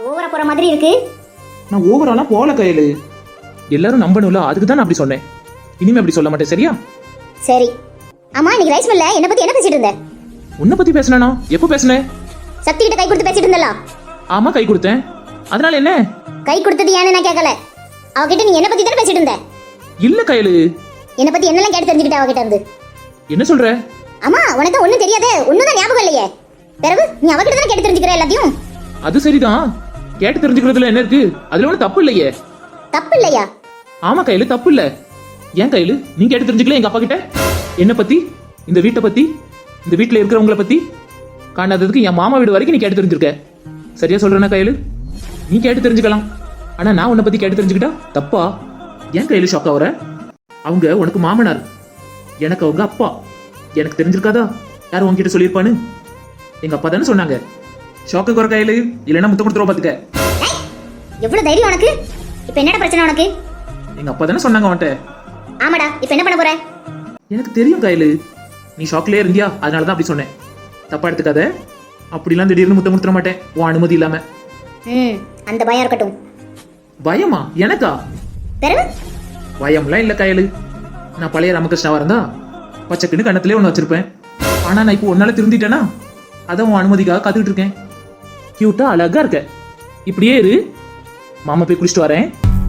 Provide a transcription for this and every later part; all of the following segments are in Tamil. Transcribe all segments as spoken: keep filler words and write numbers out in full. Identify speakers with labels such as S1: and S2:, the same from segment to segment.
S1: ஓவரா போற மாதிரி இருக்கு.
S2: நான் ஓவராலாம் போல கையில. எல்லாரும் நம்பணும்ல, அதுக்கு தான் நான் அப்படி சொன்னேன். இனிமே அப்படி சொல்ல மாட்டேன், சரியா?
S1: சரி. ஆமா, இன்னைக்கு ரைஸ் மில்ல என்ன பத்தி என்ன பேசிட்டு இருந்த?
S2: உன்னை பத்தி பேசினா? எப்போ பேசினேன்?
S1: சக்தி கிட்ட கை கொடுத்து பேசிட்டு இருந்தல.
S2: ஆமா, கை கொடுத்தேன். அதனால என்ன?
S1: கை கொடுத்தது ஏன்னு நான் கேட்கல. அவகிட்ட நீ என்ன பத்தி தான் பேசிட்டு இருந்த?
S2: இல்ல கையில.
S1: என்ன பத்தி என்னெல்லாம் கேட்டு தெரிஞ்சுக்கிட்ட அவகிட்ட இருந்து?
S2: என்ன சொல்ற?
S1: ஆமா, உனக்கு ஒண்ணும் தெரியாதே, ஒண்ணும் தான் ஞாபகம் இல்லையே. பிறகு நீ அவகிட்ட தான் கேட்டு தெரிஞ்சுக்கிற எல்லாத்தையும்.
S2: அது சரிதான், கேட்டு தெரிஞ்சுக்கிறதுல என்ன இருக்கு? அதுல ஒன்றும் தப்பு இல்லையே.
S1: தப்பு இல்லையா?
S2: ஆமா கையில, தப்பு இல்ல. ஏன் கையில நீ கேட்டு தெரிஞ்சுக்கல எங்க அப்பா கிட்ட? என்ன பத்தி, இந்த வீட்டை பத்தி, இந்த வீட்டுல இருக்கிறவங்கள பத்தி, காணாததுக்கு என் மாமா வீடு வரைக்கும் நீ கேட்டு தெரிஞ்சிருக்க. சரியா சொல்றேன்னா கையில? நீ கேட்டு தெரிஞ்சுக்கலாம், ஆனா நான் உன்னை பத்தி கேட்டு தெரிஞ்சுக்கிட்டா தப்பா? ஏன் கையில ஷாக் ஆகுற? அவங்க உனக்கு மாமனார், எனக்கு அவங்க அப்பா. எனக்கு தெரிஞ்சிருக்காதா யாரும் உங்ககிட்ட சொல்லியிருப்பான்னு? எங்க அப்பா தானே சொன்னாங்க. ஷாக்கு குறை கையில, இல்லைன்னா முத்த கொடுத்துருவா பாத்துக்க.
S1: எவ்வளவு தைரியம் உனக்கு? இப்ப என்னடா பிரச்சனை உனக்கு?
S2: எங்க அப்பா தானே சொன்னாங்க அவன்கிட்ட.
S1: ஆமாடா, இப்ப என்ன பண்ண போற?
S2: எனக்கு தெரியும் கையில, நீ ஷாக்லயே இருந்தியா, அதனாலதான் அப்படி சொன்னேன். தப்பா எடுத்துக்காத. அப்படிலாம் திடீர்னு முத்த கொடுத்துட மாட்டேன் உன் அனுமதி இல்லாம.
S1: ம், அந்த பயம் இருக்கட்டும்.
S2: பயமா? எனக்கா?
S1: பிறகு
S2: பயம்லாம் இல்ல கையில. நான் பழைய ராமகிருஷ்ணாவா இருந்தா பச்சைக்குன்னு கண்ணத்திலே ஒண்ணு வச்சிருப்பேன். ஆனா நான் இப்போ ஒன்னால திருந்திட்டேனா, அதான் உன் அனுமதிக்காக காத்துக்கிட்டு இருக்கேன். கியூட்டா அழகா இருக்க, இப்படியே இரு. மாமா போய் குளிச்சுட்டு வரேன்.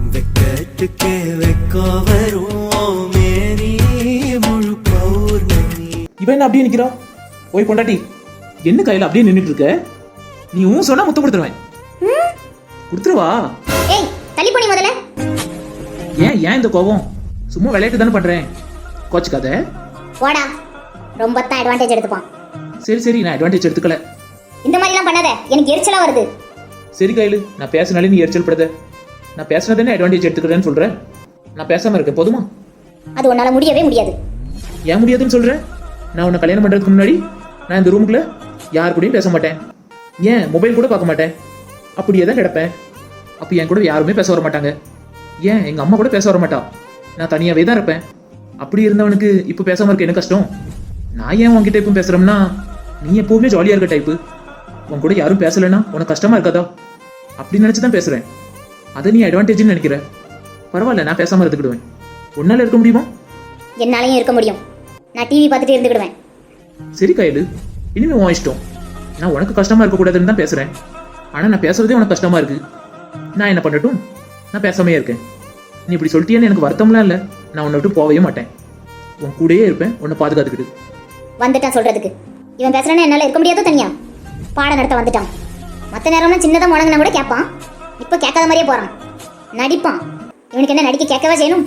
S2: இவன் என்ன அப்படியே நிக்கிறா? போய் பொண்டாட்டி, என்ன கையில அப்படியே நின்னுட்டு இருக்க? நீ ஊன் சொன்னா முத்தம் கொடுத்துருவேன். கொடுத்துருவா.
S1: ஏய், தள்ளி போனி முதல்ல.
S2: ஏன் ஏன் இந்த கோபம்? சும்மா விளையாட்டு தானே பண்றேன், கோச்சுக்காத.
S1: போடா, ரொம்ப தான் அட்வான்டேஜ் எடுத்துப்பான்.
S2: சரி சரி, நான் அட்வான்டேஜ் எடுத்துக்கல.
S1: இந்த மாதிரி எல்லாம் பண்ணாத, எனக்கு எரிச்சலா வருது.
S2: சரி கையில, நான் பேசினாலே நீ எரிச்சல் படுத. நான் பேசினதானே அட்வான்டேஜ் எடுத்துக்கிறேன்னு சொல்றேன். நான் பேசாம இருக்கேன், போதுமா?
S1: அது உன்னால முடியவே முடியாது.
S2: ஏன் முடியாதுன்னு சொல்றேன்? நான் உன்னை கல்யாணம் பண்றதுக்கு முன்னாடி நான் இந்த ரூமுக்குள்ள யார் கூடயும் பேச மாட்டேன். ஏன் மொபைல் கூட பார்க்க மாட்டேன், அப்படியே தான் கிடப்பேன். அப்ப என் கூட யாருமே பேச வர மாட்டாங்க. ஏன் எங்க அம்மா கூட பேச வர மாட்டா. நான் தனியாவே தான் இருப்பேன். அப்படி இருந்தவனுக்கு இப்ப பேசாம இருக்க என்ன கஷ்டம்? நான் ஏன் உன்கிட்ட இப்ப பேசுறேன்னா, நீ எப்பவுமே ஜாலியா இருக்க டைப்பு. உன் கூட யாரும் பேசலன்னா உனக்கு கஷ்டமா இருக்காதா? அப்படி நினைச்சுதான் பேசுறேன். அதை நீ அட்வான்டேஜ்னு நினைக்கிற. பரவாயில்ல, நான் பேசாம இருந்துக்கிடுவேன். உன்னால இருக்க முடியுமா?
S1: என்னாலையும் இருக்க முடியும். நான் டிவி பார்த்துட்டு இருந்துக்கிடுவேன்.
S2: சரி கையில, இனிமே உன் இஷ்டம். நான் உனக்கு கஷ்டமா இருக்க கூடாதுன்னு தான் பேசுறேன். ஆனா நான் பேசுறதே உனக்கு கஷ்டமா இருக்கு. நான் என்ன பண்ணட்டும்? நான் பேசாமே இருக்கேன். நீ இப்படி சொல்லிட்டியான்னு எனக்கு வருத்தம்லாம் இல்லை. நான் உன்னை விட்டு போகவே மாட்டேன். உன் கூடயே இருப்பேன், உன்னை பாதுகாத்துக்கிட்டு.
S1: வந்துட்டான் சொல்றதுக்கு. இவன் பேசுறானே, என்னால இருக்க முடியாதோ தனியா? பாடம் நடத்த வந்துட்டான். மற்ற நேரம்லாம் சின்னதாக முடங்கினா கூட கேட்பான். இப்போ கேட்காத மாதிரியே போறான், நடிப்பான். இவனுக்கு என்ன நடிக்க கேட்கவே செய்யணும்?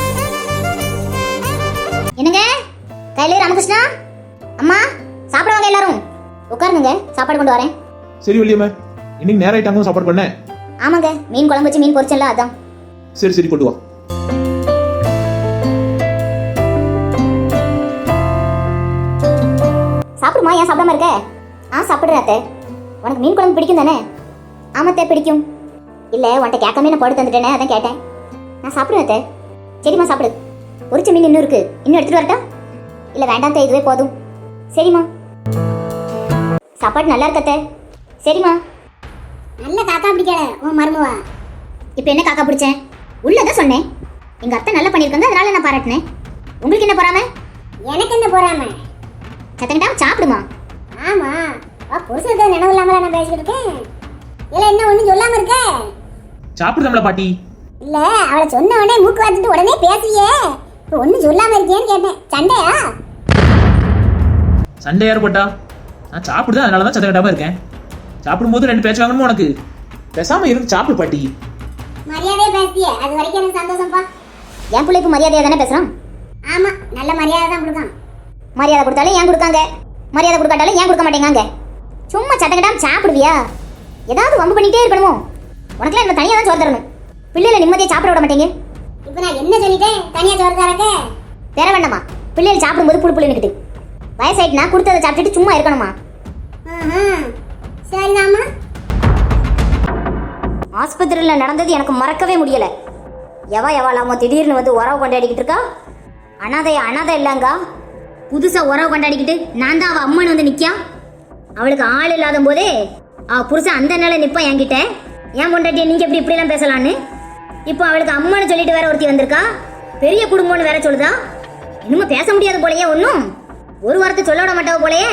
S1: என்னங்க கையில ராமகிருஷ்ணா, அம்மா சாப்பிடுவாங்க எல்லாரும். உட்காருங்க, சாப்பாடு கொண்டு வரேன்.
S2: சரி வள்ளியம்மா, இன்னைக்கு நேரம் ஆயிட்டாங்க சாப்பாடு பண்ண.
S1: ஆமாங்க, மீன் குழம்பு வச்சு மீன் பொரிச்சல, அதான்.
S2: சரி சரி, கொண்டு வா.
S1: சாப்பிடுமா, ஏன் சாப்பிடாம இருக்க? ஆ சாப்பிடுறாத்தே. உனக்கு மீன் குழம்பு பிடிக்கும் தானே? ஆமாத்தே பிடிக்கும். இல்லை, உன்கிட்ட கேட்காம நான் போட்டு தந்துட்டேனே, அதான் கேட்டேன். நான் சாப்பிடுவேத்தே. சரிம்மா சாப்பிடு. பொரிச்ச மீன் இன்னும் இருக்கு, இன்னும் எடுத்துட்டு வரட்டா? இல்லை வேண்டாம் தே, இதுவே போதும். சரிம்மா. சாப்பாடு நல்லா இருக்கத்தே. சரிம்மா. நல்ல காக்கா பிடிக்கல உன் மருமவா. இப்போ என்ன காக்கா பிடிச்சேன்? உள்ளதான் சொன்னேன். எங்க அத்தை நல்லா பண்ணியிருக்காங்க, அதனால நான் பாராட்டினேன். உங்களுக்கு என்ன போறாம? எனக்கு என்ன போறாம? சத்தங்கிட்டா சாப்பிடுமா. ஆமா, புருஷனுக்கு நினைவு இல்லாம நான் பேசிட்டு இருக்கேன். இல்ல என்ன ஒண்ணும் சொல்லாம இருக்க?
S2: சாப்பிடுதாம்ல பாட்டி.
S1: இல்ல, அவளை சொன்ன உடனே மூக்கு வாத்துட்டு உடனே பேசியே. இப்போ ஒண்ணும் சொல்லாம இருக்கேன்னு கேட்டேன். சண்டையா?
S2: சண்டை யார் போட்டா? நான் சாப்பிடுதான், அதனாலதான் சத்தம் கட்டாம இருக்கேன். சாப்பிடும்போது ரெண்டு பேச்சு வாங்கணுமா உனக்கு? பேசாம இருந்து சாப்பிடு பாட்டி.
S1: மரியாதையா பேசிய, அது வரைக்கும் எனக்கு சந்தோஷம்ப்பா. என் பிள்ளைக்கு மரியாதையா தானே பேசுறான். ஆமா, நல்ல மரியாதை தான் கொடுக்கான். மரியாதை கொடுத்தாலும் ஏன் கொடுக்காங்க, மரியாதை கொடுக்காட்டாலும் ஏன் கொடுக்க மாட்டேங்காங்க. சும்மா சட்டக்கட்டாம சாப்பிடுவியா? ஏதாவது வம்பு பண்ணிட்டே இருக்கணுமோ? உனக்குலாம் என்ன தனியாக தான் சோறு தரணும். பிள்ளைகளை நிம்மதியை சாப்பிட விட மாட்டேங்க. இப்போ நான் என்ன சொல்லிட்டேன்? தனியாக சோறு தரக்க வேற வேண்டாமா? பிள்ளைகள் சாப்பிடும்போது புழு புள்ளின்னுக்கிட்டு வயசாயிட்டுனா கொடுத்ததை சாப்பிட்டுட்டு சும்மா இருக்கணுமா? சரிதாம்மா. ஆஸ்பத்திரியில் நடந்தது எனக்கு மறக்கவே முடியலை. எவா எவா இல்லாம திடீர்னு வந்து உறவு கொண்டாடிக்கிட்டு இருக்கா. அனாதைய அனாதை இல்லைங்க, புதுசாக உறவு கொண்டாடிக்கிட்டு நான் தான் அவள் அம்மன் வந்து நிற்கா. அவளுக்கு ஆள் இல்லாத போதே அவள் புருஷன் அந்த நிலை நிற்பான் என்கிட்ட. ஏன் பொண்டாட்டியை நீங்க எப்படி இப்படிலாம் பேசலான்னு? இப்போ அவளுக்கு அம்மான்னு சொல்லிட்டு வேற ஒருத்தி வந்திருக்கா, பெரிய குடும்பம்னு வேற சொல்லுதா. இன்னும் பேச முடியாது போலயே, ஒன்றும் ஒரு வார்த்தை சொல்ல விட மாட்டாவ போலயே.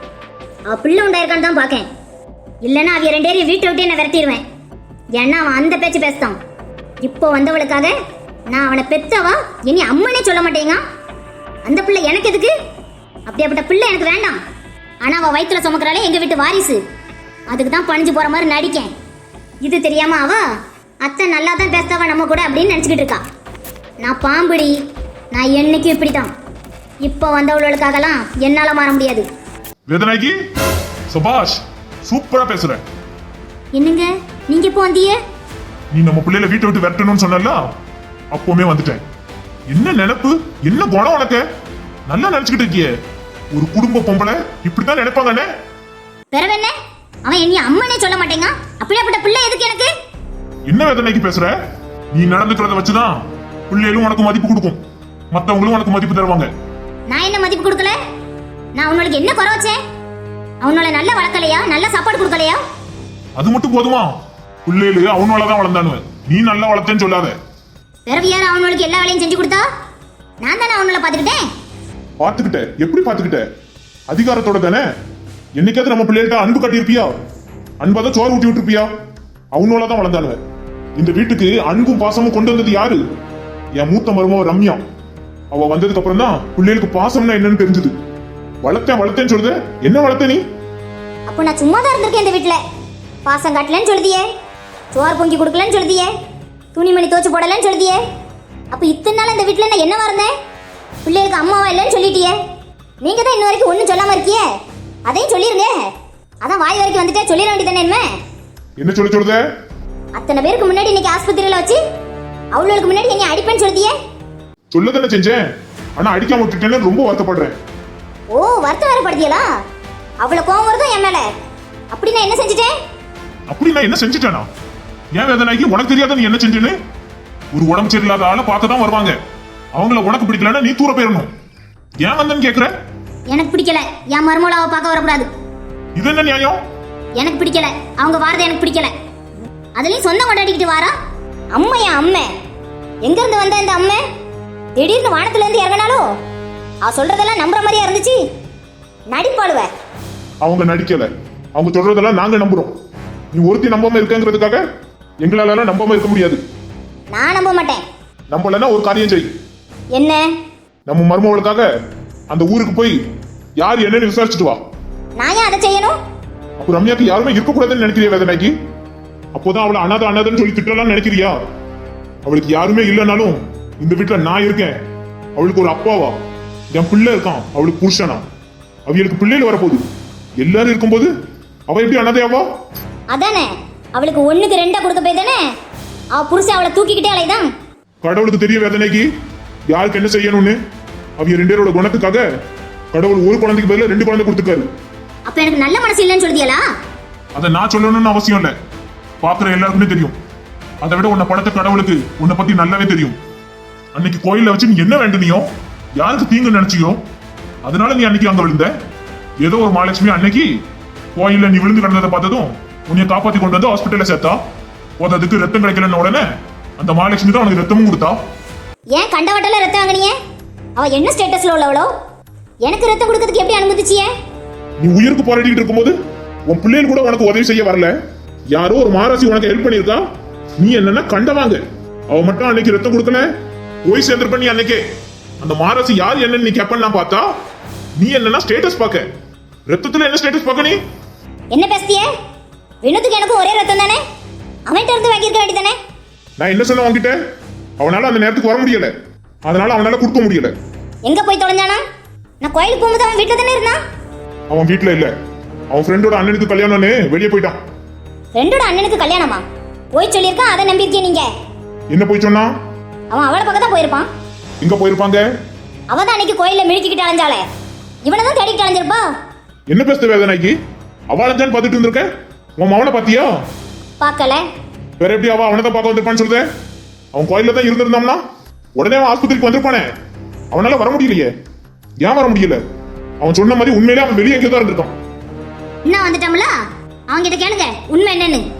S1: அவ பிள்ளை உண்டாயிருக்கான்னு தான் பார்க்கேன். இல்லைன்னா அவிய ரெண்டு பேரையும் வீட்டை விட்டு என்ன விரட்டிடுவேன். ஏன்னா அவன் அந்த பேச்சு பேசுதான். இப்போ வந்தவளுக்காக நான் அவனை பெத்தவா இனி அம்மனே சொல்ல மாட்டேங்க. அந்த பிள்ளை எனக்கு எதுக்கு? அப்படியாப்பட்ட பிள்ளை எனக்கு வேண்டாம். ஆனா அவ வயிற்றுல சுமக்கிறாளே எங்க வீட்டு வாரிசு, அதுக்கு தான் பணிஞ்சு போற மாதிரி நடிக்கேன். இது தெரியாம அவ அத்தை நல்லா தான் பேசுதாவா நம்ம கூட அப்படின்னு நினைச்சுக்கிட்டு இருக்கா. நான் பாம்புடி, நான் என்னைக்கும் இப்படித்தான். இப்போ வந்தவளுக்காகலாம் என்னால மாற முடியாது.
S3: வேதனாகி சுபாஷ் சூப்பரா பேசுற.
S1: என்னங்க நீங்க இப்போ வந்தீங்க?
S3: நீ நம்ம பிள்ளைல வீட்டை விட்டு விரட்டணும்னு சொன்னல, அப்பவுமே வந்துட்டேன். என்ன நினைப்பு, என்ன குணம் உனக்கு? நல்லா நினைச்சுக்கிட்டு இருக்கியே. ஒரு குடும்ப பொம்பளை இப்படித்தான் நினைப்பாங்கண்ணே.
S1: பிறவென்ன அவன் என்னைய அம்மனே சொல்ல மாட்டேங்க. அப்படியாப்பட்ட பிள்ளை எதுக்கு எனக்கு?
S3: என்ன வேதனைக்கு பேசுற? நீ நடந்துக்கிறத வச்சுதான் பிள்ளைகளும் உனக்கு மதிப்பு கொடுக்கும், மத்தவங்களும் உனக்கு மதிப்பு தருவாங்க.
S1: நான் என்ன மதிப்பு கொடுக்கல? நான் அவனுக்கு என்ன குறை வச்சேன்? அவனோட நல்ல வளர்க்கலையா, நல்ல சாப்பாடு கொடுக்கலையா?
S3: அது மட்டும் போதுமா? பிள்ளைகளு அவனாலதான் வளர்ந்தானு, நீ நல்லா வளர்த்தேன்னு சொல்லாத.
S1: பிறவி யார் அவனுக்கு எல்லா வேலையும் செஞ்சு கொடுத்தா? நான் தானே அவனால பாத்துக்கிட்டேன்.
S3: பாத்துக்கிட்ட? எப்படி பாத்துக்கிட்ட? அதிகாரத்தோட தானே. என்னைக்காவது நம்ம பிள்ளைகிட்ட அன்பு காட்டியிருப்பியா? அன்பாதான் சோறு ஊட்டி விட்டுருப்பியா? அவனாலதான் வளர்ந்தானு. இந்த வீட்டுக்கு அன்பும் பாசமும் கொண்டு வந்தது யாரு? என் மூத்த மருமவ ரம்யா. அவ வந்ததுக்கு அப்புறம் தான் பிள்ளைகளுக்கு பாசம்னா என்னன்னு தெரிஞ்சது. வளர்த்தேன் வளர்த்தேன்னு சொல்லுத, என்ன வளர்த்த நீ?
S1: அப்போ நான் சும்மா தான் இருந்திருக்கேன் இந்த வீட்டுல. பாசம் காட்டலன்னு சொல்லுதியே, சோறு பொங்கி கொடுக்கலன்னு சொல்லுதியே, துணிமணி தோச்சு போடலன்னு சொல்லுதியே. அப்ப இத்தனை நாள் இந்த வீட்டுல நான் என்னவா இருந்தேன்? பிள்ளைகளுக்கு அம்மாவா இல்லைன்னு சொல்லிட்டியே. நீங்க தான் இன்ன வரைக்கும் ஒன்னும் சொல்லாம இருக்கியே, அதையும் சொல்லிருங்க. அதான் வாய் வரைக்கும் வந்துட்டே சொல்லிட வேண்டியதானே. என்ன
S3: என்ன சொல்ல சொல்லுத?
S1: அத்தனை பேருக்கு முன்னாடி இன்னைக்கு ஆஸ்பத்திரியில வச்சு அவளுக்கு முன்னாடி என்ன அடிப்பேன்னு சொல்லுதியே.
S3: சொல்லதானே செஞ்சேன், ஆனா அடிக்காம விட்டுட்டேன்னு ரொம்ப வருத்தப்படுறேன்.
S1: ஓ, வருத்தம் வேறப்படுத்தியலா? அவ்வளவு கோவம் வருதும் என் மேல. அப்படி நான் என்ன செஞ்சுட்டேன்?
S3: அப்படி நான் என்ன செஞ்சுட்டேனா? ஏன் வேதனைக்கு உனக்கு தெரியாத நீ என்ன செஞ்சேன்னு? ஒரு உடம்பு சரியில்லாத ஆளை பார்க்க தான் வருவாங்க. அவங்கள உனக்கு பிடிக்கலன்னா நீ தூர போயிடணும். ஏன் வந்தேன்னு கேக்குற?
S1: எனக்கு பிடிக்கல, என் மருமலாவை பார்க்க வரக்கூடாது.
S3: இது என்ன நியாயம்?
S1: எனக்கு பிடிக்கல, அவங்க வாரது எனக்கு பிடிக்கல. அதுலயும் சொந்தம் கொண்டாடிக்கிட்டு வாரா அம்மா. என் அம்மை எங்க இருந்து வந்த இந்த அம்மை? திடீர்னு வானத்துல இருந்து இறங்கினாலும் அவ சொல்றதெல்லாம் நம்புற மாதிரியா இருந்துச்சு. நடிப்பாளுவ.
S3: அவங்க நடிக்கல, அவங்க சொல்றதெல்லாம் நாங்க நம்புறோம். நீ ஒருத்தி நம்பாம இருக்கங்கிறதுக்காக எங்களால நம்பாம இருக்க முடியாது.
S1: நான் நம்ப மாட்டேன்.
S3: நம்பலன்னா ஒரு காரியம் செய்.
S1: என்ன?
S3: நம்ம மருமகளுக்காக அந்த ஊருக்கு போய் யார் என்னன்னு விசாரிச்சுட்டு வா.
S1: நான் ஏன் அதை செய்யணும்?
S3: அப்போ ரம்யாக்கு யாருமே இருக்க கூடாதுன்னு நினைக்கிறியா வேதனைக்கு? அப்போதான் அவளை அனாத அனாதன்னு சொல்லி திட்டலாம் நினைக்கிறியா? அவளுக்கு யாருமே இல்லைனாலும் இந்த வீட்டுல நான் இருக்கேன். அவளுக்கு ஒரு அப்பாவா, என் பிள்ளை இருக்கான், அவளுக்கு புருஷனா, அவளுக்கு பிள்ளைகள் வரப்போகுது. எல்லாரும் இருக்கும்போது அவ எப்படி அனாதையாவா?
S1: அதானே, அவளுக்கு ஒண்ணுக்கு ரெண்டா கொடுக்க போய் தானே அவ புருஷன் அவளை தூக்கிக்கிட்டே அலைதான்.
S3: கடவுளுக்கு தெரிய வேதனைக்கு யாருக்கு என்ன செய்யணும்னு. அவங்க ரெண்டு பேரோட குணத்துக்காக கடவுள் ஒரு குழந்தைக்கு பதிலா ரெண்டு குழந்தை கொடுத்துருக்காரு.
S1: அப்ப எனக்கு நல்ல மனசு இல்லைன்னு சொல்லியலா?
S3: அதை நான் சொல்லணும்னு அவசியம் இல்லை, பாக்குற எல்லாருக்குமே தெரியும். அதை விட உன்னை படத்த கடவுளுக்கு உன்னை பத்தி நல்லாவே தெரியும். அன்னைக்கு கோயில வச்சு நீ என்ன வேண்டுனியோ, யாருக்கு தீங்கு நினைச்சியோ, அதனால நீ அன்னைக்கு அங்க விழுந்த. ஏதோ ஒரு மகாலட்சுமி அன்னைக்கு கோயில்ல நீ விழுந்து கிடந்ததை பார்த்ததும் உன்னை காப்பாத்தி கொண்டு வந்து ஹாஸ்பிட்டல்ல சேர்த்தா. போததுக்கு ரத்தம் கிடைக்கலன்னு உடனே அந்த மகாலட்சுமி தான் உனக்கு ரத்தமும் கொடுத்தா.
S1: ஏன் கண்டவட்டல ரத்தம் வாங்கினியே? அவ என்ன ஸ்டேட்டஸ்ல உள்ளவளோ? எனக்கு ரத்தம் கொடுக்கிறதுக்கு எப்படி அனுமதிச்சியே?
S3: நீ உயிருக்கு போராடிட்டு இருக்கும்போது உன் பிள்ளைகள் கூட உனக்கு உதவி செய்ய வரல. யாரோ ஒரு மாராசி உனக்கு ஹெல்ப் பண்ணிருக்கா. நீ என்னன்னா கண்டவாங்க. அவ மட்டும் அன்னைக்கு ரத்தம் கொடுக்கல, போய் சேர்ந்துருப்ப நீ அன்னைக்கே. அந்த மாராசி யார் என்னன்னு நீ கேப்பன்னா பார்த்தா நீ என்னன்னா ஸ்டேட்டஸ் பாக்க. ரத்தத்துல என்ன ஸ்டேட்டஸ் பாக்க நீ?
S1: என்ன பேசிய? வினோத்துக்கு எனக்கும் ஒரே ரத்தம் தானே, அவன்கிட்ட இருந்து வாங்கியிருக்க வேண்டியதானே.
S3: நான் என்ன சொன்ன வாங்கிட்ட? அவனால அந்த நேரத்துக்கு வர முடியல, அதனால அவனால கொடுக்க முடியல.
S1: எங்க போய் தொலைஞ்சானா? நான் கோயிலுக்கு போகும்போது அவன் வீட்டுல தானே இருந்தான்.
S3: அவன் வீட்டுல இல்ல, அவன் ஃப்ரெண்டோட அண்ணனுக்கு கல்யாணம்னு வெளியே போயிட்டான்.
S1: ஃப்ரெண்டோட அண்ணனுக்கு கல்யாணமா? போய் சொல்லியிருக்கான், அதை நம்பியிருக்கீங்க நீங்க?
S3: என்ன போய் சொன்னா?
S1: அவன் அவளை பக்கம் தான் போயிருப்பான்.
S3: எங்க போயிருப்பாங்க?
S1: அவ தான் அன்னைக்கு கோயில்ல மிழிச்சுக்கிட்டு அலைஞ்சாலே, இவனை தான் தேடிக்கிட்டு அலைஞ்சிருப்பா.
S3: என்ன பேசுற வேதனைக்கு? அவ அலைஞ்சான்னு பார்த்துட்டு இருந்திருக்க, உன் மவனை பாத்தியா?
S1: பார்க்கல.
S3: வேற எப்படி அவ அவனை தான் பார்க்க வந்திருப்பான்னு சொல்லுத? அவன் கோயில்ல தான் இருந்திருந்தான்னா உடனே அவன் ஆஸ்பத்திரிக்கு வந்திருப்பானே. அவனால வர முடியலையே. ஏன் வர முடியல? அவன் சொன்ன மாதிரி உண்மையிலே அவன் வெளியே எங்கே தான் இருந்திருக்கான்.
S1: இன்னும் வந்துட்டோம்ல, அவங்க கிட்ட கேளுங்க உண்மை என்னன்னு.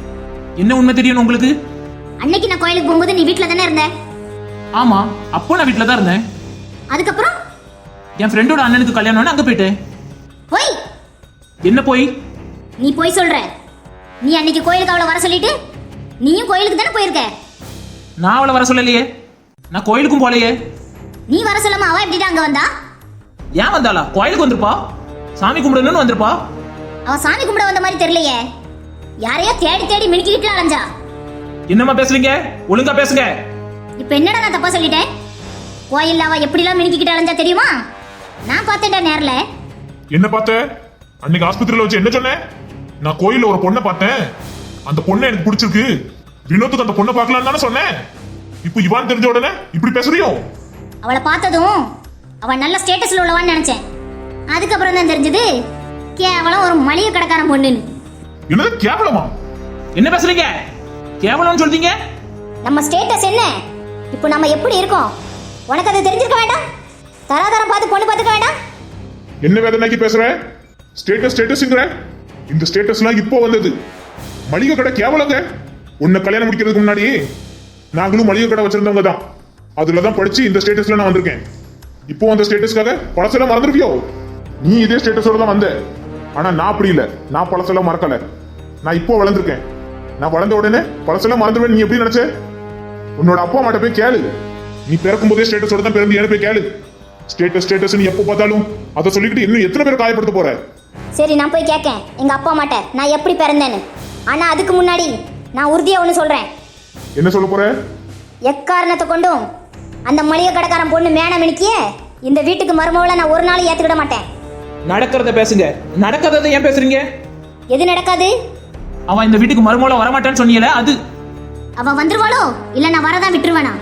S2: என்ன உண்மை தெரியணும் உங்களுக்கு?
S1: அன்னைக்கு நான் கோயிலுக்கு போகும்போது நீ வீட்ல தானே இருந்த.
S2: ஆமா, அப்போ நான் வீட்டில் தான் இருந்தேன்.
S1: அதுக்கப்புறம்
S2: என் ஃப்ரெண்டோட அண்ணனுக்கு கல்யாணம்னு அங்க போயிட்டேன்.
S1: போய்
S2: என்ன போய்?
S1: நீ போய் சொல்ற. நீ அன்னைக்கு கோயிலுக்கு அவளை வர சொல்லிட்டு நீயும் கோயிலுக்கு தானே போயிருக்க.
S2: நான் அவளை வர சொல்லலையே. நான் கோயிலுக்கும் போலையே.
S1: நீ வர சொல்லாம அவ எப்படிடா அங்க வந்தா?
S2: ஏன் வந்தாளா? கோயிலுக்கு வந்திருப்பா, சாமி கும்பிடணும்னு வந்திருப்பா.
S1: அவ சாமி கும்பிட வந்த மாதிரி தெரியலையே. யாரையோ தேடி தேடி மினுக்கிட்டு அலைஞ்சா.
S2: என்னம்மா பேசுறீங்க? ஒழுங்கா பேசுங்க.
S1: இப்ப என்னடா நான் தப்பா சொல்லிட்டேன்? கோயில்ல அவ எப்படிலாம் மினுக்கிட்டு அலைஞ்சா தெரியுமா? நான் பார்த்தேன்டா நேர்ல.
S3: என்ன பார்த்த? அன்னைக்கு ஆஸ்பத்திரியில வச்சு என்ன சொன்னேன்? நான் கோயில்ல ஒரு பொண்ணை பார்த்தேன், அந்த பொண்ணை எனக்கு பிடிச்சிருக்கு, வினோத்துக்கு அந்த பொண்ணை பார்க்கலாம் தானே சொன்னேன். இப்போ இவான் தெரிஞ்ச உடனே இப்படி பேசுறியோ?
S1: அவளை பார்த்ததும் அவ நல்ல ஸ்டேட்டஸ்ல உள்ளவான்னு நினைச்சேன். அதுக்கப்புறம் தான் தெரிஞ்சது கேவலம் ஒரு மளிகை கடைக்காரன் பொண்ணுன்னு.
S3: என்னது கேவலமா?
S2: என்ன பேசுறீங்க? கேவலம்னு சொல்றீங்க?
S1: நம்ம ஸ்டேட்டஸ் என்ன, இப்போ நம்ம எப்படி இருக்கோம் உனக்கு அது தெரிஞ்சிருக்க வேண்டாம்? தராதரம் பார்த்து பொண்ணு பார்த்துக்க வேண்டாம்?
S3: என்ன வேதனைக்கு பேசுற? ஸ்டேட்டஸ் ஸ்டேட்டஸ்ங்கற இந்த ஸ்டேட்டஸ்லாம் இப்போ வந்தது. மளிகை கடை கேவலங்க. உன்னை கல்யாணம் முடிக்கிறதுக்கு முன்னாடி நாங்களும் மளிகை கடை வச்சிருந்தவங்க தான். அதுல தான் படிச்சு இந்த ஸ்டேட்டஸ்ல நான் வந்திருக்கேன். இப்போ அந்த ஸ்டேட்டஸ்க்காக பழசெல்லாம் மறந்துருவியோ? நீ இதே ஸ்டேட்டஸோட தான் வந்த. ஆனா நான் அப்படி இல்லை. நான் பழசெல்லாம் மறக்கல. நான் இப்போ வளர்ந்துருக்கேன். நான் வளர்ந்த உடனே பழசெல்லாம் மறந்துடுவேன் நீ எப்படி நினைச்ச? உன்னோட அப்பா அம்மாட்ட போய் கேளு. நீ பிறக்கும் போதே ஸ்டேட்டஸோட தான் பிறந்து போய் கேளு. ஸ்டேட்டஸ் ஸ்டேட்டஸ் நீ எப்போ பார்த்தாலும் அதை சொல்லிக்கிட்டு இன்னும் எத்தனை பேர் காயப்படுத்த போற?
S1: சரி, நான் போய் கேட்கேன் எங்க அப்பா அம்மாட்ட நான் எப்படி பிறந்தேன்னு. ஆனா அதுக்கு முன்னாடி நான் உறுதியா ஒண்ணு சொல்றேன்.
S3: என்ன சொல்ல போற?
S1: எக்காரணத்தை கொண்டும் அந்த மளிகை கடைக்காரன் பொண்ணு மேன மினிக்கிய இந்த வீட்டுக்கு மருமவளை நான் ஒரு நாள் ஏத்துக்கிட மாட்டேன்.
S2: நடக்கிறத பேசுங்க. நடக்கிறத ஏன் பேசுறீங்க?
S1: எது நடக்காது?
S2: அவன் இந்த வீட்டுக்கு மருமகள வரமாட்டான்னு சொன்னீல, அது
S1: அவ வந்துருவாளோ இல்ல நான் வரதான் விட்டுருவேனா?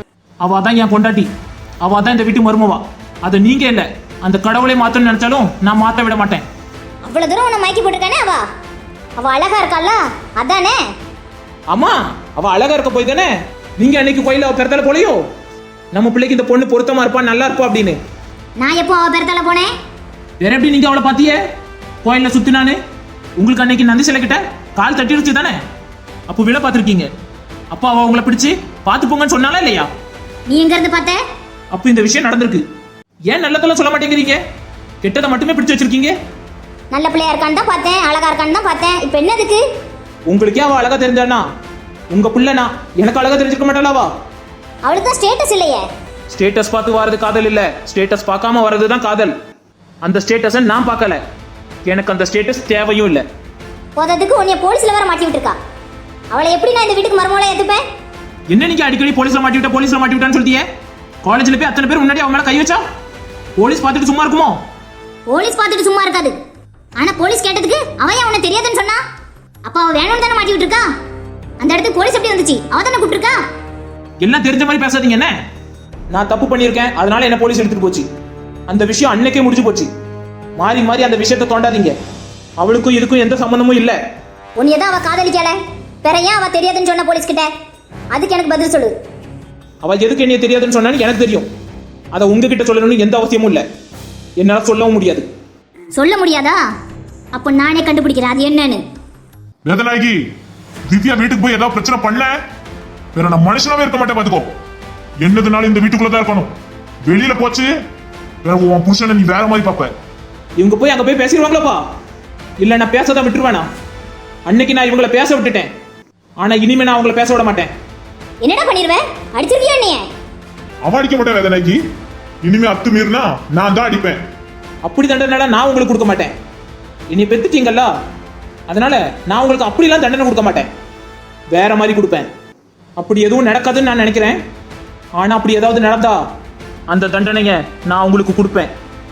S2: அவ தான் என் பொண்டாட்டி. அவ தான் இந்த வீட்டு மருமவா. அது நீங்க இல்ல. அந்த கடவுளை மாத்தணும்னு நினைச்சாலும் நான் மாத்த விட மாட்டேன்.
S1: அவ்வளவு தூரம் உன்னை மயக்கி போட்டுருக்கானே அவ. அவ அழகா இருக்கால, அதானே?
S2: அம்மா, அவ அழகா இருக்க போய் தானே நீங்க அன்னைக்கு கோயில அவ பெறத்தால போலையோ? நம்ம பிள்ளைக்கு இந்த பொண்ணு பொருத்தமா இருப்பா, நல்லா இருப்பா அப்படின்னு.
S1: நான் எப்போ அவ பெறத்தால போனேன்?
S2: வேற எப்படி நீங்க அவளை பாத்தியே? கோயில்ல சுத்தினானு உங்களுக்கு அன்னைக்கு நந்தி சிலை கிட்ட கால் தட்டிடுச்சு தானே? அப்போ விழ பாத்திருக்கீங்க. அப்போ அவ உங்களை பிடிச்சு பாத்து போங்கன்னு சொன்னாலா இல்லையா?
S1: நீ எங்க இருந்து பார்த்த?
S2: அப்போ இந்த விஷயம் நடந்திருக்கு. ஏன் நல்லதெல்லாம் சொல்ல மாட்டேங்கிறீங்க? கெட்டதை மட்டுமே பிடிச்சு வச்சிருக்கீங்க.
S1: நல்ல பிள்ளையா இருக்கான்னு தான் பார்த்தேன், அழகா இருக்கான்னு தான் பார்த்தேன். இப்போ என்னதுக்கு?
S2: உங்களுக்கே அவ அழகா தெரிஞ்சானா? உங்க பிள்ளைனா எனக்கு அழகா தெரிஞ்சுக்க மாட்டாளாவா?
S1: அவளுக்கு தான் ஸ்டேட்டஸ் இல்லையே.
S2: ஸ்டேட்டஸ் பார்த்து வரது காதல் இல்ல, ஸ்டேட்டஸ் பார்க்காம வரது தான் காதல். அந்த ஸ்டேட்டஸை நான் பார்க்கல. எனக்கு அந்த ஸ்டேட்டஸ் தேவையும் இல்லை.
S1: போததுக்கு உன்னைய போலீஸ்ல வேற மாட்டி விட்டுருக்கா. அவளை எப்படி நான் இந்த வீட்டுக்கு மருமகளா ஏத்துப்பேன்?
S2: என்ன நீங்க அடிக்கடி போலீஸ்ல மாட்டி விட்ட போலீஸ்ல மாட்டி விட்டான்னு சொல்லியே? காலேஜ்ல போய் அத்தனை பேர் முன்னாடி அவன் மேல கை வச்சா போலீஸ் பார்த்துட்டு சும்மா இருக்குமோ?
S1: போலீஸ் பார்த்துட்டு சும்மா இருக்காது. ஆனா போலீஸ் கேட்டதுக்கு அவன் ஏன் உன்னை தெரியாதுன்னு சொன்னா? அப்ப அவ வேணும்னு தானே மாட்டி விட்டுருக்கா. அந்த இடத்துக்கு போலீஸ் எப்படி வந்துச்சு? அவ தானே கூப்பிட்டுருக்கா.
S2: எல்லாம் தெரிஞ்ச மாதிரி பேசாதீங்க. என்ன நான் தப்பு பண்ணியிருக்கேன், அதனால என்ன போலீஸ் எடுத்துட்டு போச்சு. அந்த விஷயம் அன்னைக்கே முடிஞ்சு போச்சு. மாறி மாறி அந்த விஷயத்தை தோண்டாதீங்க. அவளுக்கும் இதுக்கும் எந்த சம்பந்தமும் இல்ல.
S1: உன்னைய தான் அவ காதலிக்கல, வேற ஏன் அவ தெரியாதுன்னு சொன்ன போலீஸ் கிட்ட? அதுக்கு எனக்கு பதில் சொல்லு.
S2: அவள் எதுக்கு என்ன தெரியாதுன்னு சொன்னான்னு எனக்கு தெரியும். அதை உங்ககிட்ட சொல்லணும்னு எந்த அவசியமும் இல்லை. என்னால சொல்லவும் முடியாது.
S1: சொல்ல முடியாதா? அப்போ நானே கண்டுபிடிக்கிறேன் அது என்னன்னு.
S3: வேதனாகி, திவ்யா வீட்டுக்கு போய் ஏதாவது பிரச்சனை பண்ண வேற நான் மனுஷனாவே இருக்க மாட்டேன் பாத்துக்கோ. என்னதுனாலும் இந்த வீட்டுக்குள்ளதான் இருக்கணும். வெளியில போச்சு வேற உன் புருஷனை நீ வேற மாதிரி பாப்ப.
S2: இவங்க போய் அங்க போய் பேசிடுவாங்களப்பா? இல்ல நான் பேசதான் விட்டுருவேனா? அன்னைக்கு நான் இவங்களை பேச விட்டுட்டேன். ஆனா இனிமே நான் அவங்கள பேச விட மாட்டேன்.
S1: என்னடா பண்ணிடுவேன்? அடிச்சிருக்கியா நீ?
S3: அவன் அடிக்க மாட்டேன் வேதனாகி. இனிமே அத்து மீறினா நான் தான் அடிப்பேன்.
S2: அப்படி தண்டனை நான் உங்களுக்கு கொடுக்க மாட்டேன். இனி பெத்துட்டீங்கல்ல, அதனால நான் உங்களுக்கு அப்படிலாம் தண்டனை கொடுக்க மாட்டேன். வேற மாதிரி கொடுப்பேன். அப்படி எதுவும் நடக்காதுன்னு நான் நினைக்கிறேன். ஆனா அப்படி ஏதாவது நடந்தா அந்த தண்டனையை நான் உங்களுக்கு கொடுப்பேன்.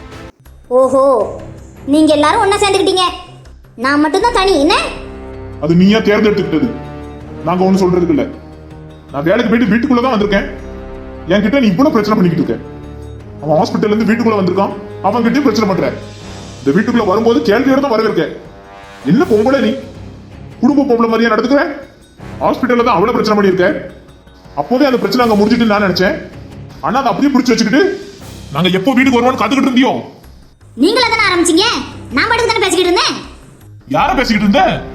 S1: ஓஹோ, நீங்க எல்லாரும் ஒண்ணா சேர்ந்துக்கிட்டீங்க, நான் மட்டும்தான் தனி என்ன?
S3: அது நீயா தேர்ந்தெடுத்துக்கிட்டது. நாங்க ஒண்ணு சொல்றதுக்கு இல்ல. நான் வேலைக்கு போயிட்டு வீட்டுக்குள்ளதான் வந்திருக்கேன். என்கிட்ட நீ இவ்வளவு பிரச்சனை பண்ணிக்கிட்டு இருக்க. அவன் ஹாஸ்பிட்டல்ல இருந்து வீட்டுக்குள்ள வந்திருக்கான், அவன் கிட்டயும் பிரச்சனை பண்ற. இந்த வீட்டுக்குள்ள வரும்போது கேள்வியோட தான் வரவேற்க. என்ன பொம்பளை நீ? குடும்ப பொம்பளை மாதிரியா நடந்துக்கிற? ஹாஸ்பிட்டல்ல தான் அவ்வளவு பிரச்சனை பண்ணியிருக்க. அப்போதே அந்த பிரச்சனை அங்க முடிஞ்சிட்டு நான் நினைச்சேன். ஆனா அதை அப்படியே பிடிச்சு வச்சுக்கிட்டு நாங்க எப்போ வீட்டுக்கு வருவோம்னு காத்துக்கிட்டு இருந்தியோ?
S1: நீங்களா தானே ஆரம்பிச்சீங்க? நான் பாட்டுக்கு தானே பேசிக்கிட்டு இருந்தேன்.
S3: யார பேசிக்கிட்டு இருந்த?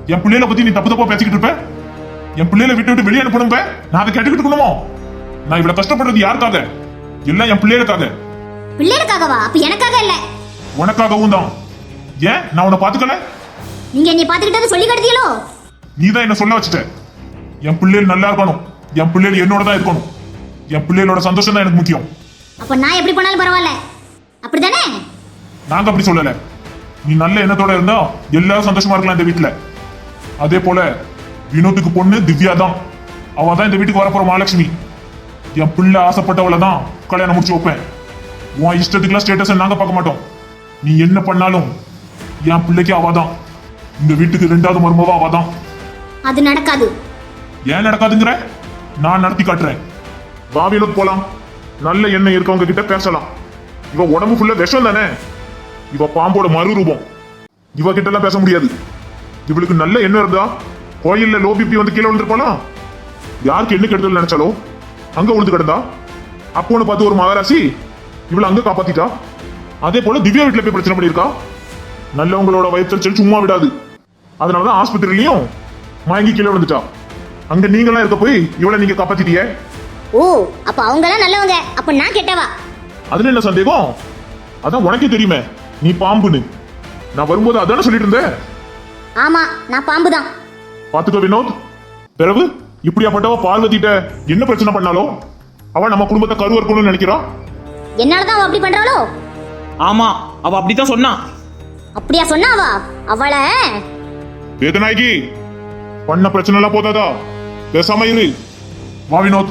S3: என் பிள்ளைகளை பத்தி நீ தப்பு தப்பா பேசிக்கிட்டு இருப்ப? என் பிள்ளைகளை விட்டு விட்டு வெளியே அனுப்பணுங்க, நான் அதை கேட்டுக்கிட்டு இருக்கணுமோ? நான் இவ்வளவு கஷ்டப்படுறது யாருக்காக? எல்லாம் என் பிள்ளைகளுக்காக.
S1: பிள்ளைகளுக்காகவா? அப்ப எனக்காக இல்ல,
S3: உனக்காகவும் தான். ஏன் நான் உன்னை பாத்துக்கல?
S1: நீங்க என்னை பாத்துக்கிட்டது சொல்லி கடுத்தீங்களோ?
S3: நீ தான் என்ன சொல்ல வச்சுட்ட. என் பிள்ளைகள் நல்லா இருக்கணும், என் பிள்ளைகள் என்னோட தான் இருக்கணும், என் பிள்ளைகளோட சந்தோஷம் தான் எனக்கு முக்கியம்.
S1: அப்ப நான் எப்படி பண்ணாலும் பரவாயில்ல, அப்படிதானே?
S3: நாங்க அப்படி சொல்லல. நீ நல்ல எண்ணத்தோட இருந்தா எல்லாரும் சந்தோஷமா இருக்கலாம் இந்த வீட்டுல. அதே போல வினோத்துக்கு பொண்ணு திவ்யா தான். அவ தான் இந்த வீட்டுக்கு வரப்போற மகாலட்சுமி. என் பிள்ளை ஆசைப்பட்டவளை தான் கல்யாணம் முடிச்சு வைப்பேன். உன் இஷ்டத்துக்குலாம் ஸ்டேட்டஸ் நாங்க பார்க்க மாட்டோம். நீ என்ன பண்ணாலும் என் பிள்ளைக்கு அவதான். இந்த வீட்டுக்கு ரெண்டாவது மருமவா அவதான்.
S1: அது நடக்காது.
S3: ஏன் நடக்காதுங்கிற? நான் நடத்தி காட்டுறேன். வா வினோத் போலாம். நல்ல எண்ணெய் இருக்கவங்க கிட்ட பேசலாம். இவ உடம்பு ஃபுல்லா விஷம் தானே. இவ பாம்போட மறுரூபம். இவ கிட்ட எல்லாம் பேச முடியாது. இவளுக்கு நல்ல எண்ணம் இருந்தா கோயில்ல லோ பிபி வந்து கீழே விழுந்திருப்பானா? யாருக்கு என்ன கெடுதல் நினைச்சாலோ அங்க விழுந்து கிடந்தா. அப்போன்னு பார்த்து ஒரு மகாராசி இவளை அங்க காப்பாத்திட்டா. அதே போல திவ்யா வீட்டுல போய் பிரச்சனை பண்ணிருக்கா. நல்லவங்களோட வயிற்றுச்சல் சும்மா விடாது. அதனாலதான் ஆஸ்பத்திரியிலையும் மயங்கி கீழே விழுந்துட்டா. அங்க நீங்களாம் இருக்க போய் இவளை நீங்க காப்பாத்திட்டிய.
S1: ஓ, அப்ப அவங்க எல்லாம் நல்லவங்க, அப்ப நான் கெட்டவா?
S3: அதுல என்ன சந்தேகம்? அதான் உனக்கே தெரியுமே நீ பாம்புன்னு. நான் வரும்போது அதானே சொல்லிட்டு இருந்தேன்.
S1: ஆமா, நான் பாம்பு தான்.
S3: பாத்துக்கோ வினோத். பிறகு இப்படியாப்பட்டவ பார்வதிட்ட என்ன பிரச்சனை பண்ணாலும் அவ நம்ம குடும்பத்தை கருவறுக்கணும்னு நினைக்கிறா.
S1: என்னாலதான் அவ அப்படி பண்றாளோ?
S2: ஆமா, அவ அப்படித்தான் சொன்னா.
S1: அப்படியா சொன்னாவா? அவளை
S3: வேதநாயகி பண்ண பிரச்சனை எல்லாம் போதாதா? பேசாம இரு. வா வினோத்.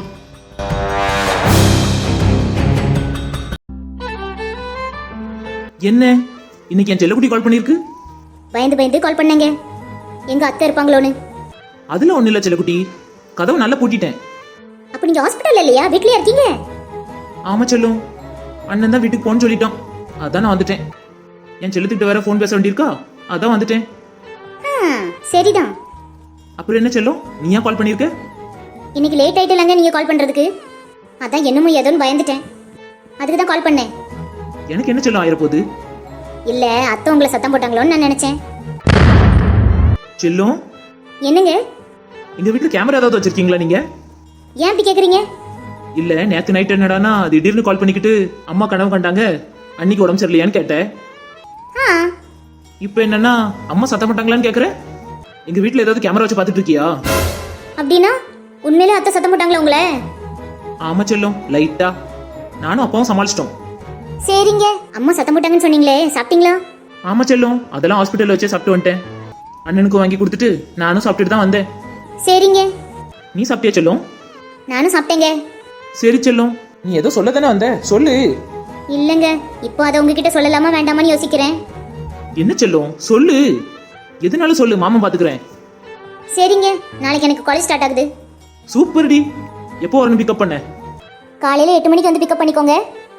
S2: என்ன இன்னைக்கு என் செல்லக்குட்டி கால் பண்ணிருக்கு?
S1: பயந்து பயந்து கால் பண்ணேங்க, எங்க அத்தை இருப்பாங்களோன்னு.
S2: அதுல ஒண்ணு இல்ல செல்லக்குட்டி, கதவு நல்லா பூட்டிட்டேன்.
S1: அப்ப நீங்க ஹாஸ்பிட்டல் இல்லையா, வீட்லயே இருக்கீங்க?
S2: ஆமா செல்லும், அண்ணன் தான் வீட்டுக்கு போன்னு சொல்லிட்டான், அதான் நான் வந்துட்டேன். என் செல்லத்துக்கிட்ட வேற ஃபோன் பேச வேண்டியிருக்கா, அதான் வந்துட்டேன்.
S1: ஆ, சரிதான்.
S2: அப்புறம் என்ன செல்லும், நீ ஏன் கால் பண்ணிருக்க?
S1: இன்னைக்கு லேட் ஆயிட்டலாங்க நீங்க கால் பண்றதுக்கு, அதான் என்னமோ ஏதோன்னு பயந்துட்டேன், அதுக்கு தான் கால் பண்ணேன்.
S2: எனக்கு என்ன செல்லும் ஆயிரப்போகுது?
S1: இல்ல, அத்தை உங்களை சத்தம் போட்டாங்களோன்னு நான் நினைச்சேன்.
S2: செல்லும்,
S1: என்னங்க?
S2: எங்க வீட்டுல கேமரா ஏதாவது வச்சிருக்கீங்களா நீங்க?
S1: ஏன் அப்படி கேக்குறீங்க?
S2: இல்ல, நேத்து நைட் என்னடானா திடீர்னு கால் பண்ணிக்கிட்டு அம்மா கனவு கண்டாங்க, அன்னைக்கு உடம்பு சரியில்லையான்னு கேட்டேன்.
S1: ஆ,
S2: இப்போ என்னன்னா அம்மா சத்தம் போட்டாங்களான்னு கேக்குற. எங்க வீட்டுல ஏதாவது கேமரா வச்சு பாத்துட்டு இருக்கியா?
S1: அப்படின்னா உண்மையிலே அத்தை சத்தம் போட்டாங்களா உங்களை?
S2: ஆமா செல்லும், லைட்டா. நானும் அப்பாவும் சமாளிச்சிட்டோம்.
S1: சரிங்க. அம்மா சத்தம் போட்டாங்கன்னு சொன்னீங்களே, சாப்பிட்டீங்களா?
S2: ஆமா செல்லும், அதெல்லாம் ஹாஸ்பிட்டல்ல வச்சே சாப்பிட்டு வந்துட்டேன். அண்ணனுக்கு வாங்கி கொடுத்துட்டு நானும் சாப்பிட்டுட்டு தான் வந்தேன்.
S1: சரிங்க.
S2: நீ சாப்பிட்டியா செல்லும்?
S1: நானும் சாப்பிட்டேங்க.
S2: சரி செல்லும், நீ ஏதோ சொல்ல தானே வந்த, சொல்லு.
S1: இல்லங்க, இப்போ அதை உங்ககிட்ட சொல்லலாமா வேண்டாமான்னு யோசிக்கிறேன்.
S2: என்ன செல்லும், சொல்லு. எதுனாலும் சொல்லு, மாமா பாத்துக்கிறேன்.
S1: சரிங்க, நாளைக்கு எனக்கு காலேஜ் ஸ்டார்ட் ஆகுது.
S2: சூப்பர் டி. எப்போ வரணும் பிக்கப் பண்ண?
S1: காலையில எட்டு மணிக்கு வந்து பிக்கப் பண்ணிக்கோங்க.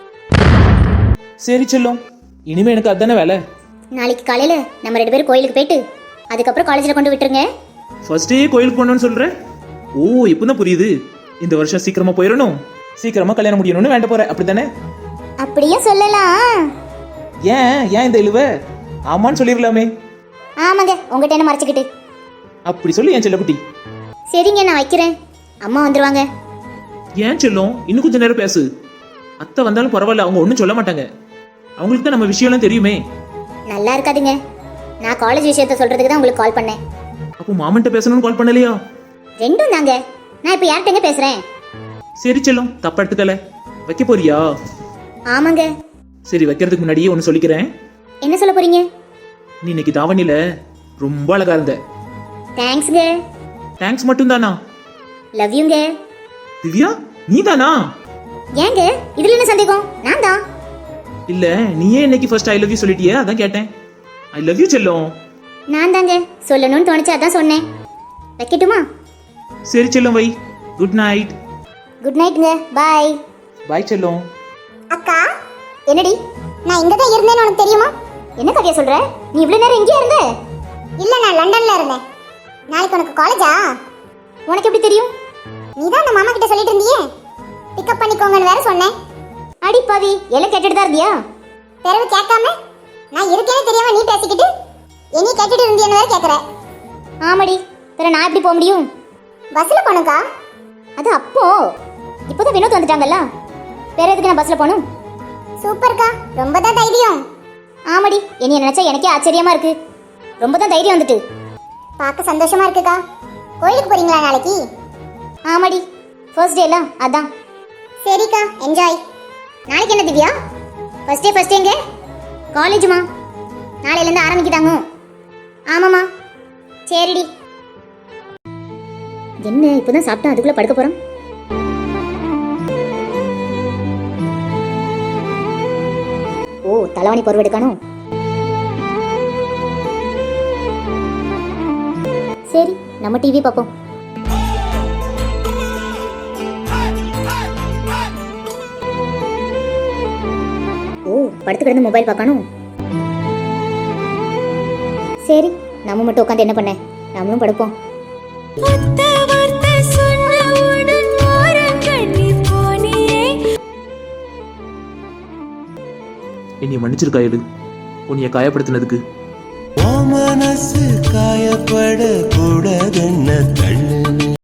S2: சரி செல்லும், இனிமே எனக்கு அதானே வேலை.
S1: நாளைக்கு காலையில நம்ம ரெண்டு பேரும் கோயிலுக்கு போயிட்டு அதுக்கப்புறம் காலேஜ்ல கொண்டு விட்டுருங்க.
S2: ஃபர்ஸ்ட் டே கோயிலுக்கு போகணும்னு சொல்ற? ஓ, இப்பதான் புரியுது. இந்த வருஷம் சீக்கிரமா போயிடணும், சீக்கிரமா கல்யாணம் முடியணும்னு வேண்ட போற, அப்படித்தானே?
S1: அப்படியே சொல்லலாம்.
S2: ஏன் ஏன் இந்த இழுவ? ஆமான்னு சொல்லிடலாமே.
S1: ஆமாங்க, உங்ககிட்ட என்ன மறைச்சிக்கிட்டு.
S2: அப்படி சொல்லி என் செல்லக்குட்டி.
S1: சரிங்க, நான் வைக்கிறேன், அம்மா வந்துருவாங்க.
S2: ஏன் செல்லும், இன்னும் கொஞ்ச நேரம் பேசு. அத்தை வந்தாலும் பரவாயில்ல, அவங்க ஒன்றும் சொல்ல மாட்டாங்க. அவங்களுக்கு தான் நம்ம விஷயம்லாம் தெரியுமே.
S1: நல்லா இருக்காதுங்க, நான் காலேஜ் விஷயத்த சொல்றதுக்கு தான் உங்களுக்கு கால் பண்ணேன்.
S2: அப்போ மாமன்ட்ட பேசணும்னு கால் பண்ணலையா?
S1: ரெண்டும் தாங்க. நான் இப்போ யார்கிட்டங்க பேசுறேன்?
S2: சரி செல்லும், தப்பா எடுத்துக்கல. வைக்க போறியா?
S1: ஆமாங்க.
S2: சரி, வைக்கிறதுக்கு முன்னாடியே ஒன்று சொல்லிக்கிறேன்.
S1: என்ன சொல்ல போறீங்க?
S2: நீ இன்னைக்கு தாவணியில ரொம்ப அழகா இருந்த.
S1: தேங்க்ஸ்ங்க.
S2: தேங்க்ஸ் மட்டும் தானா?
S1: லவ் யூங்க.
S2: திவ்யா, நீ தானா?
S1: ஏங்க இதுல என்ன சந்தேகம்? நான் தான்.
S2: இல்ல, நீயே இன்னைக்கு ஃபர்ஸ்ட் ஐ லவ் யூ சொல்லிட்டியே, அதான் கேட்டேன். ஐ லவ் யூ செல்லும்.
S1: நான் தாங்க, சொல்லணும்னு தோணுச்சு, அதான் சொன்னேன். வைக்கட்டுமா?
S2: சரி செல்லும், வை. Good night.
S1: குட் நைட்ங்க, பாய்.
S2: பாய் செல்லும்.
S1: அக்கா, என்னடி? நான் இங்க தான் இருந்தேன்னு உனக்கு தெரியுமா? என்ன கதையா சொல்ற? நீ இவ்வளவு நேரம் இங்கே இருந்த? இல்ல, நான் லண்டன்ல இருந்தேன். நாளைக்கு உனக்கு காலேஜா? உனக்கு எப்படி தெரியும்? நீ தான் அந்த மாமா கிட்ட சொல்லிட்டு இருந்தியே, பிக்கப் பண்ணிக்கோங்கன்னு வேற சொன்னேன். அடி பாவி, எல்லாம் கேட்டுட்டு தான் இருந்தியா? பிறகு கேட்காம நான் இருக்கேன்னு தெரியாம நீ பேசிக்கிட்டு என்னை கேட்டுட்டு இருந்தியன்னு வேற கேக்குற. ஆமாடி, வேற நான் எப்படி போக முடியும்? பஸ்ல போனுக்கா. அது அப்போ, இப்போதான் வினோத் வந்துட்டாங்கல்ல, வேற எதுக்கு நான் பஸ்ல போகணும்? சூப்பர்க்கா, ரொம்ப தான் தைரியம். ஆமாடி, என்னைய நினைச்சா எனக்கே ஆச்சரியமா இருக்கு. ரொம்ப தான் தைரியம் வந்துட்டு. பார்க்க சந்தோஷமா இருக்குக்கா. கோயிலுக்கு போறீங்களா நாளைக்கு? ஆமாடி, ஃபர்ஸ்ட் டேல அதான். சரிக்கா, என்ஜாய். நாளைக்கு என்ன திவ்யா? ஃபர்ஸ்ட் டே ஃபர்ஸ்ட் டேங்க காலேஜுமா? நாளையில இருந்து ஆரம்பிக்கிட்டாங்க. ஆமாம்மா. சரிடி. என்ன இப்போதான் சாப்பிட்டா அதுக்குள்ள படுக்க போறோம்? ஓ, தலைவாணி பொருள் எடுக்கணும். சரி, நம்ம டிவி பார்ப்போம். ஓ, படுத்து கிடந்து மொபைல் பார்க்கணும். சரி, நம்ம மட்டும் உட்காந்து என்ன பண்ண, நம்மளும் படுப்போம்.
S2: என்னைய மன்னிச்சிருக்கா எடு, உன்னைய காயப்படுத்தினதுக்கு.
S4: மனசு காயப்பட கூடாதுன்னு தள்ளு